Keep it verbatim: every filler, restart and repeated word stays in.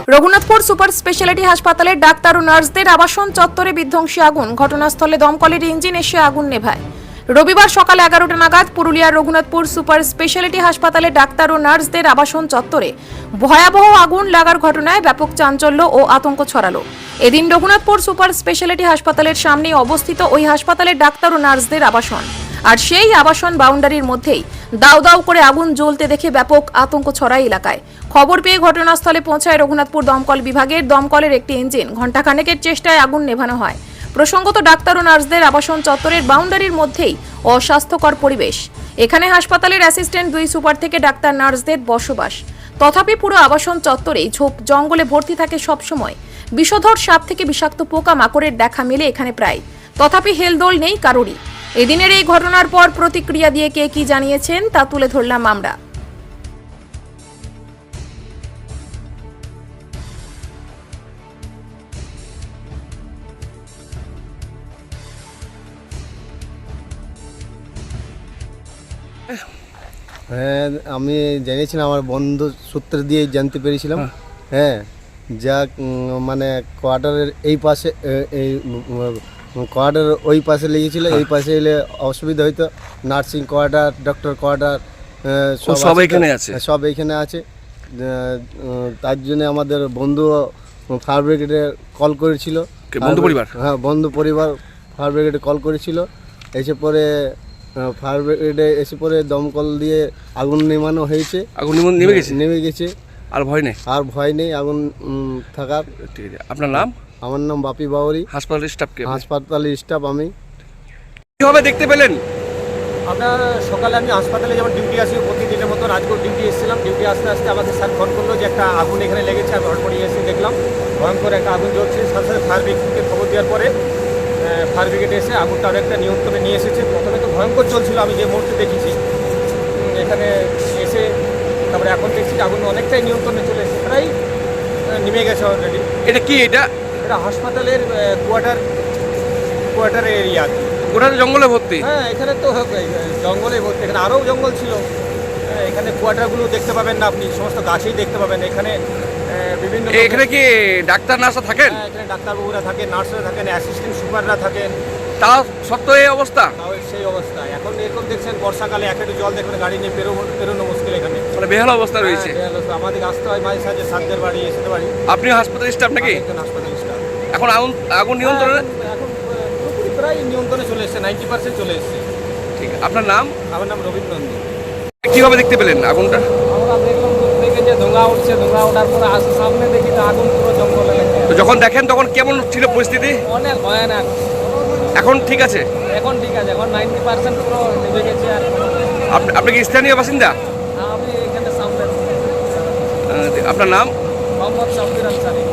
Raghunathpur super speciality হাসপাতালের doctor ও নার্সদের আবাসন চত্বরে বিধ্বংসী আগুন। ঘটনাস্থলে দমকলের ইঞ্জিন এসে আগুন নেভায়। রবিবার সকাল এগারোটা নাগাদ পুরুলিয়ার রঘুনাথপুর সুপার স্পেশালিটি হাসপাতালে ডাক্তার ও নার্সদের আবাসন চত্বরে ভয়াবহ আগুন লাগার ঘটনায় ব্যাপক চাঞ্চল্য ও আতঙ্ক ছড়ালো। এদিন রঘুনাথপুর সুপার স্পেশালিটি হাসপাতালের সামনে অবস্থিত ওই হাসপাতালের ডাক্তার ও নার্সদের আবাসন, আর সেই আবাসন বাউন্ডারির মধ্যেই দাউ দাউ করে আগুন জ্বলতে দেখে ব্যাপক আতঙ্ক ছড়ায় এলাকায়। খবর পেয়ে ঘটনাস্থলে পৌঁছায় রঘুনাথপুর দমকল বিভাগের দমকলের একটি ইঞ্জিন। ঘণ্টাখানেকের চেষ্টায় আগুন নেভানো হয়। প্রসঙ্গত, ডাক্তার ও নার্সদের আবাসন চত্বরের বাউন্ডারির মধ্যেই অস্বাস্থ্যকর পরিবেশ। এখানে হাসপাতালের অ্যাসিস্ট্যান্ট দুই সুপার থেকে ডাক্তার নার্সদের বসবাস। তথাপি পুরো আবাসন চত্বরেই ঝোপ জঙ্গলে ভর্তি থাকে সবসময়। বিষধর সাপ থেকে বিষাক্ত পোকা মাকড়ের দেখা মেলে এখানে প্রায়। তথাপি হেলদোল নেই কারোরই। এদিনের এই ঘটনার পর প্রতিক্রিয়া দিয়ে কে কি জানিয়েছেন তা তুলে ধরলাম আমরা। হ্যাঁ, আমি জেনেছিলাম, আমার বন্ধু সূত্র দিয়ে জানতে পেরেছিলাম। হ্যাঁ, যা উম, মানে কোয়ার্টারের এই পাশে এ- এই কোয়ার্টার ওই পাশে লেগেছিল। এই পাশে এলে অসুবিধা হইতো। নার্সিং কোয়ার্টার, ডক্টর কোয়ার্টার সব এখানে আছে? সব এইখানে আছে। আহ, উম, তার জন্য আমাদের বন্ধু ফায়ার ব্রিগেডে কল করেছিল। কে, বন্ধু পরিবার? হ্যাঁ, বন্ধু পরিবার ফায়ার ব্রিগেডে কল করেছিল। এসে পরে ফায়ার ব্রিগেডে এসে পরে দমকল দিয়ে আগুন নেমানো হয়েছে। আগুন নিমন- নেমে গেছে? নেমে গেছে। আর ভয় নেই? আর ভয় নেই আগুন উম, থাকার। ঠিক আছে, আপনার নাম? আমার নাম বাপি বাউরি, হাসপাতালের স্টাফকে হাসপাতালের স্টাফ আমি। কিভাবে দেখতে পেলেন? আপনার সকালে আমি হাসপাতালে যেমন ডিউটি আসি প্রতিদিনের মতো রাজকোট ডিউটি এসেছিলাম। ডিউটি আসতে আসতে আমাকে স্যার ফোন করলো যে একটা আগুন এখানে লেগেছে। আমি হটপড়ে এসে দেখলাম ভয়ঙ্কর একটা আগুন জ্বলছে। সাথে সাথে ফায়ার ব্রিগেডকে খবর দেওয়ার পরে ফায়ার ব্রিগেড এসে আগুনটা অনেকটা নিয়ন্ত্রণে নিয়ে এসেছে। প্রথমে তো ভয়ঙ্কর চলছিল, আমি যে মুহূর্তে দেখেছি উম, এখানে এসে তারপরে এখন দেখছি যে আগুন অনেকটাই নিয়ন্ত্রণে চলে এসেছে, প্রায় আহ, নেমে গেছে অলরেডি। এটা কি? এটা এটা হাসপাতালের কোয়ার্টার কোয়ার্টারের এরিয়া আর কি। গোটা জঙ্গলে ভর্তি? হ্যাঁ, এখানে তো জঙ্গলে ভর্তি। এখানে আরও জঙ্গল ছিল। হ্যাঁ, এখানে কোয়ার্টারগুলো দেখতে পাবেন না আপনি, সমস্ত গাছেই দেখতে পাবেন। এখানে আহ, বিভিন্ন এ- এখানে কি ডাক্তার নার্সরা থাকেন? হ্যাঁ, এখানে ডাক্তারবাবুরা থাকেন, নার্সরা থাকেন, অ্যাসিস্ট্যান্ট সুপাররা থাকেন। তা সত্ত্বেও এই অবস্থা? তাও সেই অবস্থা। এখন এরকম দেখছেন বর্ষাকালে এক একটু জল দেখবেন, গাড়ি নিয়ে বেরোনো বেরোনো মুশকিল এখানে। মানে বেহাল অবস্থা রয়েছে। হ্যাঁ, বেহাল অবস্থা। আমাদের আসতে হয় মাঝে সাঝে সাতদের বাড়ি, এসে বাড়ি। আপনিও হাসপাতালের স্টাফ নাকি? একজন হাসপাতাল স্টাফ। এখন আগুন আগুন নিয়ন্ত্রণে? এখন এখন পুরোপুরি প্রায় নিয়ন্ত্রণে চলে এসেছে, নাইনটি পার্সেন্ট চলে এসেছে। ঠিক আছে, আপনার নাম? আমার নাম রবীন্দ্র নন্দী। কিভাবে দেখতে পেলেন আগুনটা? আমরা দেখলাম দূর থেকে যে ধোঁয়া উঠছে, ধোঁয়া ওঠার পরে আসে সামনে দেখি যে আগুন পুরো জঙ্গলে লেগে তো যখন দেখেন তখন কেমন ছিল পরিস্থিতি? অনেক ভয়ানক। এখন ঠিক আছে? এখন ঠিক আছে, এখন নাইনটি পার্সেন্ট পুরো নেমে গেছে। আর আপ- আপনি কি স্থানীয় বাসিন্দা? আমি এখানে সামনে আহ, আপনার নাম? মোহাম্মদ শামসুর আনসারি।